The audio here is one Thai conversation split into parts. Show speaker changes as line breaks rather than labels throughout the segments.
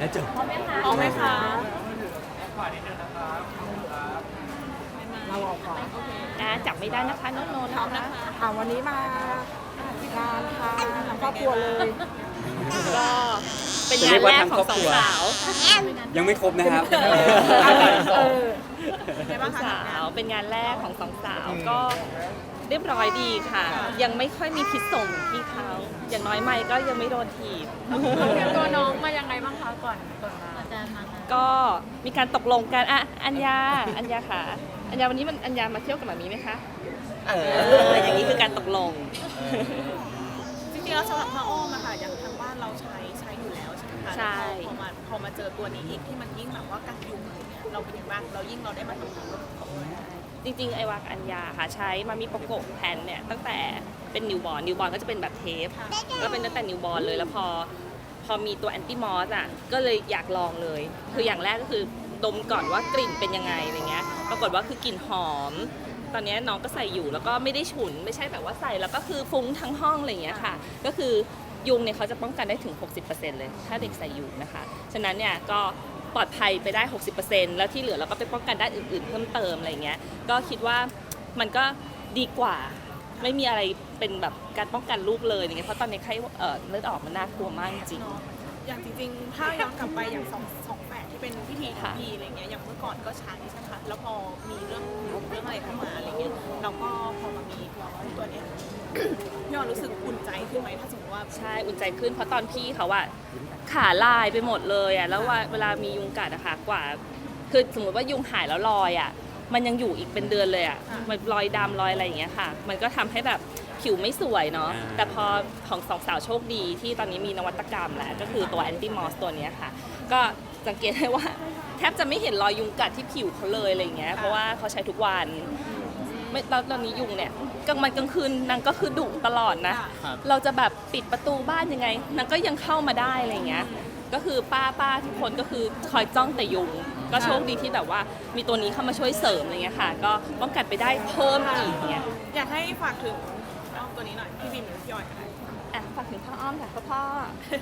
แล้วจบ
พร้อมไหมคะ
เราออกก่อน
จับไม่ได้นะคะน้องโนนะคะ
วันนี้มางานทางครอบครัวเลย
ก็เป็นงานแรกของสองสาว
ยังไม่ครบนะครับ
สาวเป็นงานแรกของสองสาวก็เรียบร้อยดีค่ะ ยังไม่ค่อยมีพิษส่งที่เขาอย่างน้อยไม่ก็ยังไม่โดนถีบ
เตรียมตัวน้องมายังไงบ้างคะก่อนมา
ก็มีการตกลงกันอัญญาค่ะอัญญาวันนี้อัญญามาเที่ยวกับหมามีไหมคะอย่างนี้คือการตกลง
จริงๆแล้วสำหรับพระอ้อมอะค่ะอย่างทางบ้านเราใช้อยู่แล้วใช่ไหมคะ
ใช่
พอมาเจอตัวนี้อีกที่มันยิ่งแบบว่ากันยุงอะไรเงี้ยเราเป็นยังไงบ้างเราได้มาทำงานร่วมกับเขาด้วย
จริงๆไอวากอัญญาค่ะใช้มามีโปโกะแผ่นเนี่ยตั้งแต่เป็นนิวบอร์นก็จะเป็นแบบเทปก็เป็นตั้งแต่นิวบอร์นเลยแล้วพอมีตัวแอนติมอสอ่ะก็เลยอยากลองเลยคืออย่างแรกก็คือดมก่อนว่ากลิ่นเป็นยังไงอะไรเงี้ยปรากฏว่าคือกลิ่นหอมตอนนี้น้องก็ใส่อยู่แล้วก็ไม่ได้ฉุนไม่ใช่แบบว่าใส่แล้วก็คือฟุ้งทั้งห้องอะไรเงี้ยค่ะก็คือยุงเนี่ยเขาจะป้องกันได้ถึง 60% เลยถ้าเด็กใส่อยู่นะคะฉะนั้นเนี่ยก็ปลอดภัยไปได้ 60% แล้วที่เหลือเราก็ไปป้องกันด้านอื่นๆเพิ่มเติมอะไรเงี้ยก็คิดว่ามันก็ดีกว่าไม่มีอะไรเป็นแบบการป้องกันลูกเลยอย่างเงี้ยเพราะตอนนี้ไข้เลือดออกมันน่ากลัวมากจริง
อย่างจริงๆถ้าย้อนกลับไปอย่างสองแฝดที่เป็นพิธีทีอะไรเงี้ยอย่างเมื่อก่อนก็ใช้ใช่ไหมคะแล้วพอมีเรื่องอะไรเข้ามาอะไรเงี้ยเราก็พอมามีตัวเนี้ยพี่ออนรู้สึกอุ่นใจขึ้นไหมถ้าสมมติว่า
ใช่อุ่นใจขึ้นเพราะตอนพี่เขาอะขาลายไปหมดเลยอะแล้วว่าเวลามียุงกัดอะค่ะกว่าคือสมมติว่ายุงหายแล้วรอยอะมันยังอยู่อีกเป็นเดือนเลยอะมันรอยดำรอยอะไรอย่างเงี้ยค่ะมันก็ทำให้แบบผิวไม่สวยเนาะแต่พอของสองสาวโชคดีที่ตอนนี้มีนวัตกรรมแล้วก็คือตัวแอนติมอสตัวเนี้ยค่ะก็สังเกตได้ว่าแทบจะไม่เห็นรอยยุงกัดที่ผิวเขาเลยอะไรอย่างเงี้ยเพราะว่าเขาใช้ทุกวันไม่ตอนนี้ยุงเนี่ยกลางคืนนางก็คือดุตลอดนะเราจะแบบปิดประตูบ้านยังไงนางก็ยังเข้ามาได้อะไรเงี้ยก็คือป้าทุกคนก็คือคอยจ้องแต่ยุงก็โชคดีที่แบบว่ามีตัวนี้เข้ามาช่วยเสริมอะไรเงี้ยค่ะก็ป้องกันไปได้เพิ่มอีกเนี่ย
อยากให้ฝากถึงน้องตัวนี้หน่อยพี่บินหรือพี่ออยก็ได้
ฝากถึงพ่ออ้อมค่ะพ่อ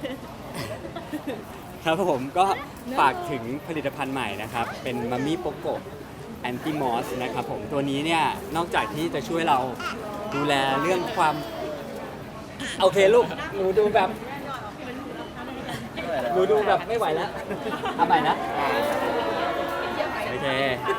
ครับผมก็ฝากถึงผลิตภัณฑ์ใหม่นะครับ เป็นมามี่โปโกแอนติมอสนะครับผมตัวนี้เนี่ยนอกจากที่จะช่วยเราดูแลเรื่องความโอเคลูกหนูดูแบบไม่ไหวแล้วทำใหม่นะโอเค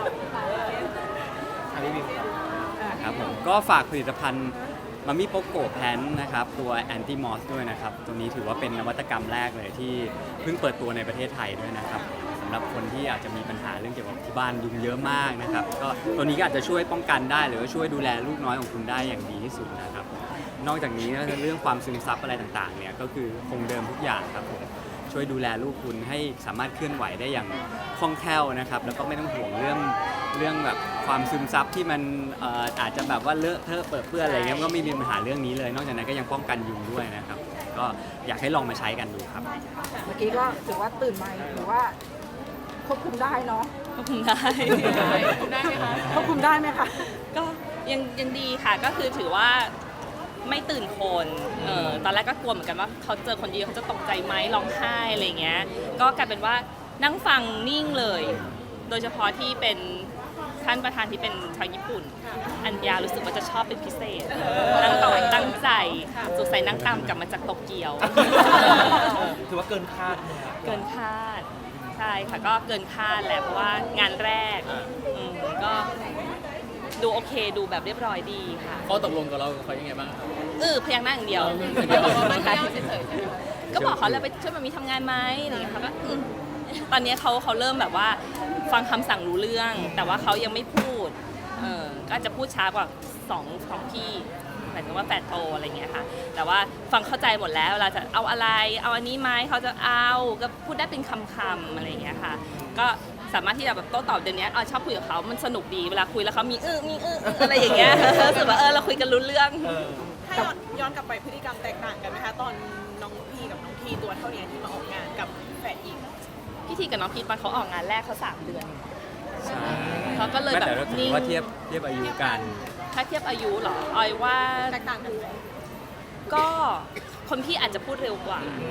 ครับผมก็ฝากผลิตภัณฑ์มามี่โปโกแพนนะครับตัวแอนติมอสด้วยนะครับตัวนี้ถือว่าเป็นนวัตกรรมแรกเลยที่เพิ่งเปิดตัวในประเทศไทยด้วยนะครับสำหรับคนที่อาจจะมีปัญหาเรื่องเกี่ยวกับที่บ้านยุงเยอะมากนะครับก็ตัวนี้ก็อาจจะช่วยป้องกันได้หรือว่าช่วยดูแลลูกน้อยของคุณได้อย่างดีที่สุดนะครับนอกจากนี้เรื่องความซึมซับอะไรต่างๆเนี่ยก็คือคงเดิมทุกอย่างครับผมช่วยดูแลลูกคุณให้สามารถเคลื่อนไหวได้อย่างคล่องแคล่วนะครับแล้วก็ไม่ต้องห่วงเรื่องแบบความซึมซับที่มันอาจจะแบบว่าเลอะเทอะเปื้อนเปื้อนอะไรเงี้ยก็ไม่มีปัญหาเรื่องนี้เลย นอกจากนั้นก็ยังป้องกันยุงด้วยนะครับก็อยากให้ลองมาใช้กันดูครับ
เมื่อกี้ก็ถือว่าตื่นมาหรือว่าควบคุมได้เนาะ
ควบคุมได้
ได้ไหมคะ
ควบคุมได้ไหมคะ
ก็ยังดีค่ะก็คือถือว่าไม่ตื่นคนตอนแรกก็กลัวเหมือนกันว่าเขาเจอคนเยอะเขาจะตกใจไหมร้องไห้อะไรเงี้ยก็กลายเป็นว่านั่งฟังนิ่งเลย โดยเฉพาะที่เป็นท่านประธานที่เป็นชาวญี่ปุ่นอัญญารู้สึกว่าจะชอบเป็นพิเศษนั่งต่อตั้งใจสงสัยนั่งตามกลับมาจากโตเกียว
ถือว่าเกินคาดไหมครับ
เกินคาดใช่ค่ะก็เกินคาดแหละเพราะว่างานแรกก็ดูโอเคดูแบบเรียบร้อยดีค่ะ
ข้อตกลงกับเราเขายังไงบ้างครับ
พยักหน้าอย่างเดียว
เดี๋ยว
ก็บอกเขาแล้วไปช่วยมามีทำงานไหมอะไรอย่างเงี้ยเขาก็ตอนนี้เขาเริ่มแบบว่าฟังคำสั่งรู้เรื่อง แต่ว่าเขายังไม่พูดก็จะพูดช้ากว่าสองพี่หมายถึงว่าแฝดโตอะไรเงี้ยค่ะแต่ว่าฟังเข้าใจหมดแล้วเวลาจะเอาอะไรเอาอันนี้ไหมเขาจะเอาก็พูดได้เป็นคำๆอะไรอย่างเงี้ยค่ะก็สามารถที่จะแบบโต้ตอบเดี๋ยวนี้ชอบคุยกับเขามันสนุกดีเวลาคุยแล้วเขามีอะไรอย่างเงี้ยรู้สึกว่าเราคุยกันรู้เรื่อง
ถ้าย้อนกลับไปพฤติกรรมแตกต่างกันไหมคะตอนน้องพีกับน้องทีตัวเท่านี้ที่มาออกงานกับแฝดหญิง
พี่ทีกับน้องพีทตอนเขาออกงานแรกเขา3 เดือน
ใช่
เขาก็เลย
ไม่
แบบ
แต่เราถื
นิ่
อง ว่าเทียบอายุกัน
ถ้าเทียบอายุเหรอออยว่า
แตกต่างกันไหม
ก็คนพี่อาจจะพูดเร็วกว่า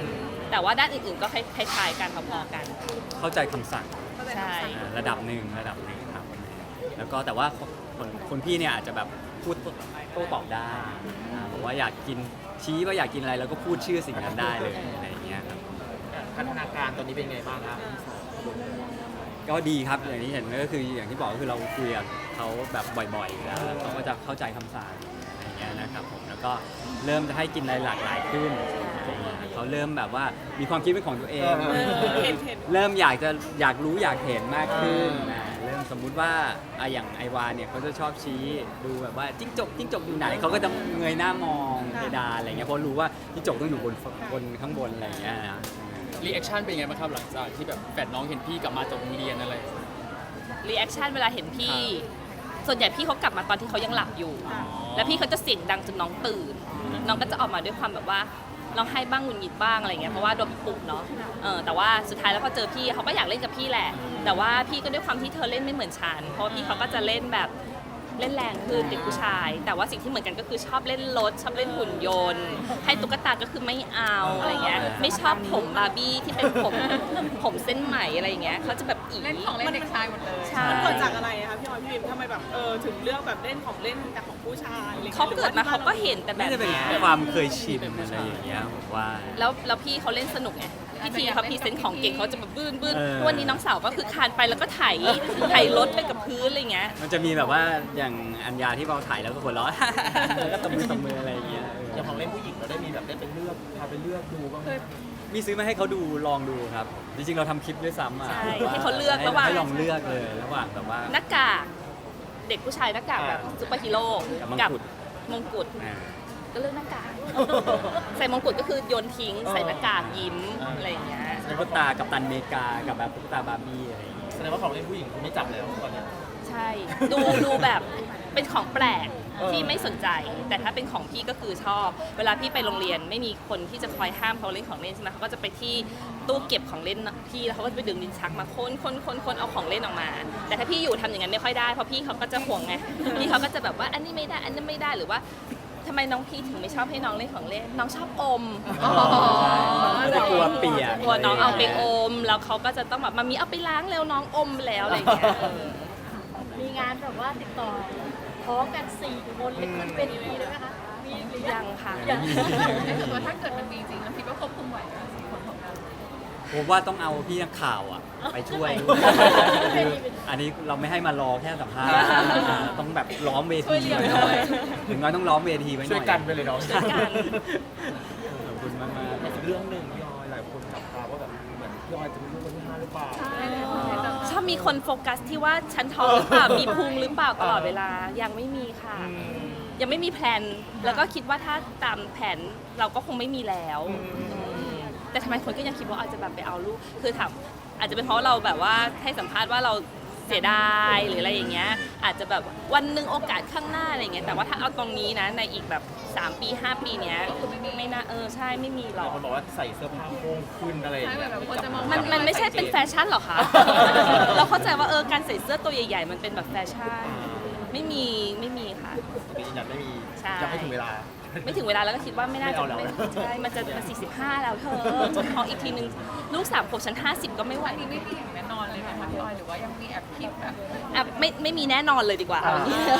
แต่ว่าด้านอื่นๆก็คล้ายๆกันพอๆกัน
เข้าใจคำสั่ง
ใช่
ระดับหนึ่งครับแล้วก็แต่ว่าคนพี่เนี่ยอาจจะแบบพูดโต้ตอบได้บอกว่าอยากกินชี้ว่าอยากกินอะไรแล้วก็พูดชื่อสิ่งนั้นได้เลยอะไรอย่างเงี้ยครับ
พัฒนาการตอนนี้เป็นไงบ้างครับ
ก็ดีครับอย่างที่เห็นก็คืออย่างที่บอกก็คือเราคุยกับเขาแบบบ่อยๆอยู่แล้วเขาก็จะเข้าใจคำสั่งอะไรอย่างเงี้ยนะครับผมแล้วก็เริ่มจะให้กินอะไรหลากหลายขึ้นเขาเริ่มแบบว่ามีความคิดเป็นของตัวเอง
เห็น
เริ่มอยากรู้อยากเห็นมากขึ้นเริ่มสมมุติว่าอย่างไอวาเนี่ยเขาจะชอบชี้ดูแบบว่าจิ้งจกอยู่ไหนเขาก็จะเงยหน้ามองเพดานอะไรเงี้ยเพราะรู้ว่าจิ้งจกต้องอยู่บนข้างบนอะไรอย่างเงี้ยนะ
รีแอคชั่นเป็นยังไงบ้างครับหลังจากที่แบบแฝดน้องเห็นพี่กลับมาจากโรงเรียนอะไร
รีแอคชั่นเวลาเห็นพี่ ส่วนใหญ่พี่เขากลับมาตอนที่เขายังหลับอยู่ แล้วพี่เขาจะเสียงดังจนน้องตื่น น้องก็จะออกมาด้วยความแบบว่าร้องไห้บ้างหงุดหงิดบ้างอะไรเงี้ยเพราะว่าโดนปลุกเนาะแต่ว่าสุดท้ายแล้วพอเจอพี่เขาก็อยากเล่นกับพี่แหละ แต่ว่าพี่ก็ด้วยความที่เธอเล่นไม่เหมือนฉันเพราะว่าพี่เขาก็จะเล่นแบบเล่นแรงคือเด็กผู้ชาย แต่ว่าสิ่งที่เหมือนกันก็คือชอบเล่นรถชอบเล่นหุ่นยนต์ให้ตุ๊กตาก็คือไม่เอาอะไรเงี้ยไม่ชอบผมบาร์บี้ที่เป็นผมเส้นไหมอะไรเงี้ยเขาจะแบบอี
เล่นของเล่นเด็กชายหมดเลย
ใช่
มันเกิดจากอะไรอะคะพี่ออยพี่วิมทำไมแบบถึงเลือกแบบเล่นของเล่นแต่ของผู้ชายอะไรอย่งงี้ย
เขาเกิดมาเขาก็เห็นแต่แบ
น่า
บ
จะเป็น
เนี้ย
ความเคยชินอะไรอย่างเงี้ยผมว่า
แล้วพี่เขาเล่นสนุกไงพี่ทีเขาพรีเซนต์ของเก่งเขาจะแบบบื้น
เออ
วันนี้น้องสาวก็คือคานไปแล้วก็ไถรถไปกับพื้นอะไรเงี้ย
มันจะมีแบบว่าอย่างอัญญาที่เราถ่ายแล้วก็หัวเราะ แล้วก็ตบมืออะไรอย่างเงี้ย
อย่างของเล่นผู้หญิงเราได้มีแบบได้ไปเลือกพาไปเลือกดูบ้างไหม
มีซื้อมาให้เขาดูลองดูครับ จริงๆเราทำคลิปด้วยซ้ำอ่ะ
ใช่
ว่า
ให้เขาเลือกระหว่าง
ให้ลองเลือกเลยระหว่างแบบว่า
หน้ากากเด็กผู้ชายหน้ากากแบบซุปเปอร์ฮีโร่
กับมงกุฎ
มงกุฎ
อ่า
ก็เลือกหน้ากากใส่มงกุฎก็คือโยนทิ้งใส่หน้ากากยิ้มอะไรอย่างเงี้ย
ตุ๊กตากับตันอเมริกากับแบบตุ๊กตาบาร์บี้อะไรอย่างเงี้ย
แสดงว่าของเล่นผู้หญิงคุณไม่จับแล้วตอนเนี้ย
ใช่ ดูแบบเป็นของแปลก
เออ
ที่ไม่สนใจ แต่ถ้าเป็นของพี่ก็คือชอบ เวลาพี่ไปโรงเรียนไม่มีคนที่จะคอยห้ามเขาเล่นของเล่นใช่ไหมเขาก็จะไปที่ตู้เก็บของเล่นพี่แล้วเขาก็จะไปดึงลิ้นชักมาค้นเอาของเล่นออกมา แต่ถ้าพี่อยู่ทำอย่างนั้นไม่ค่อยได้เพราะพี่เขาก็จะห่วงไงพี่เขาก็จะแบบว่าอันนี้ไม่ได้อันนั้นไม่ได้หรือว่าทำไมน้องพี่ถึงไม่ชอบให้น้องเล่นของเล่นน้องชอบอม
เขาจะกลัวเปียก
กลัวน้องเอาไปอมแล้วเขาก็จะต้องแบบมามีเอาไปล้างแล้วน้องอมไปแล้วอะไรอย่างเงี้ย
มีงานแบบว่าติดต่อพร้อมกัน4 คนเลยมันเป็นอย่างนี้เลยไหมคะ มีหรือยั
ยัง งค่ะ
ยัง
ว่าถ้าเกิดมันมีจริงแล้วพี่ก็ควบคุมไหวนะสี่คนของเรา
ผมว่าต้องเอาพี่นักข่าวอ่ะไปช่วยคืออันนี้เราไม่ให้มารอแค่สัมภาษณ์ต้องแบบล้อมเวทีไว้หน่อยถึงน้อยต้องล้อมเวทีไว้หน่อย
ช่วยกันไปเลยเนาะ
ช่วยกัน
ขอบคุณมาก
แต่อีกเรื่องหนึ่งพี่ออยหลายคนจับตาว่าแบบเหมือนพี่ออยจะมีลูกคนที่5หรือเปล่า
ชอบมีคนโฟกัสที่ว่าฉันท้องหรือเปล่า มีพุงหรือเปล่าตลอดเวลา ยังไม่มีค่ะ ยังไม่มีแพลน แล้วก็คิดว่าถ้าตามแผนเราก็คงไม่มีแล้วแต่ทำไมคนก็ยังคิดว่าอาจจะแบบไปเอาลูก คือถามอาจจะเป็นเพราะเราแบบว่าให้สัมภาษณ์ว่าเราเสียดายหรืออะไรอย่างเงี้ย อาจจะแบบวันหนึ่งโอกาสข้างหน้าอะไรอย่างเงี้ย แต่ว่าถ้าเอาตรงนี้นะ ในอีกแบบ3 ปี 5 ปีเนี้ยไม่น่าใช่ไม่มีหร
หลา
อย ก
คนบอกว่าใส่เสื้อผ้าโค้งขึ้นอะไรอย่างเงี้ย
มันไม่ใช่เป็นแฟชั่นหรอคะ เราเข้าใจว่าการใส่เสื้อตัวใหญ่ๆ มันเป็นแบบแฟชั่น ไม่มีค่ะ
ตรงนี้ยังไม่มี
ใช่
ยังไม่ถึงเวลา
ไม่ถึงเวลาแล้วก็คิดว่าไม่น่าจะ
ไม่เอาแล้ว
ใช่มันจะ45 แล้วเธอจะท้องอีกทีนึงลูก3 ขวบฉัน50 ก็ไม่ไหว
ไม่มีอย่างแน่นอนเลยนะคะพี่ออยหรือว่ายังมีแอบคิดแบบ
อ่ะไม่มีแน่นอนเลยดีกว่า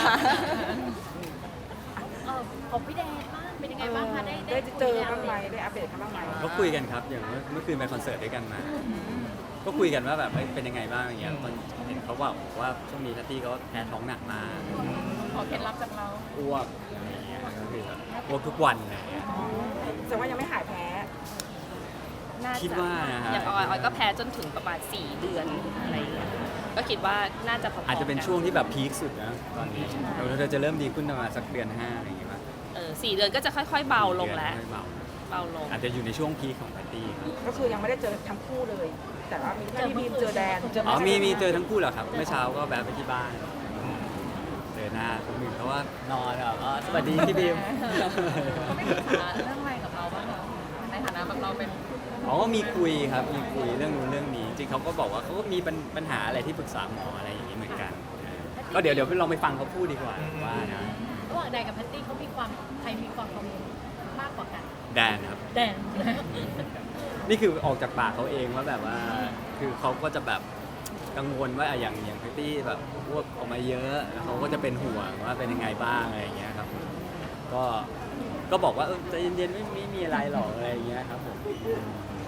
ของพี่แดนบ้างเป็นยังไงบ้างคะได้
ได้เจอบ้างไหมได้อัปเดตกันบ้างไหม
ๆก็คุยกันครับอย่างเมื่อคืนไปคอนเสิร์ตด้วยกันมา ก็คุยกันว่าแบบเป็นยังไงบ้างอย่างเงี้ยตอนเห็นเขาบอกว่าช่วงนี้ทัตตี้เขาแพ้ท้องหนักมาก
ขอเคล็ดลับจากเรา
อ้วกอะไรอย่างเงี้ยก็คือแบบอ้วกทุกวันอะไรอย่างเงี้ย
แสดงว่ายังไม่หายแพ้
น่าจะ
คิดว่านะฮะ
อย่างออยก็แพ้จนถึงประมาณ4 เดือนอะไรอย่างเงี้ยก็คิดว่าน่าจะพอๆ
อาจจะเป็น
กั
ช่วงที่แบบพีคสุดนะตอนนี้เราจะเริ่มดีขึ้นประมาณสักเดือน5อะไรอย่างเงี้ยป่ะ
4 เดือนก็จะค่อยๆ เบาลงแล้ว
ค่อยๆเบา
เบาลง
อาจจะอยู่ในช่วงพีคของปาร์ตี้ครับ
ก็คือยังไม่ได้เจอทั้งคู่เลย แต่ว่ามีแค่พี่บีมเจอแดน
อ๋อมีเจอทั้งคู่เหรอครับเมื่อเช้าก็แวะไปที่บ้านเจอหน้าคนหนึ่งเขาว่านอนแบบอ๋อสวัสดีพี่บีม
เรื่องอะไรกับเราบ้างคะในฐานะแบบเราเป็น
อ๋อมีคุยครับมีคุยเรื่องนู้นเรื่องนี้จริงเขาก็บอกว่าเขาก็มีปัญหาอะไรที่ปรึกษาหมออะไรอย่างนี้เหมือนกันก็เดี๋ยวลองไปฟังเขาพูดดีกว่าว่านะ
ระหว่างแดนกับแพตตี้เขามีความใครมีความกังวลมากกว่ากัน
แดนครับ
แดน
นี่คือออกจากปากเขาเองว่าแบบว่าคือเขาก็จะแบบกังวลว่าอย่างแพตตี้แบบอ้วกออกมาเยอะเขาก็จะเป็นห่วงว่าเป็นยังไงบ้างอะไรอย่างเงี้ยครับก็บอกว่าใจเย็นๆไม่มีอะไรหรอกอะไรอย่างเงี้ยครับผม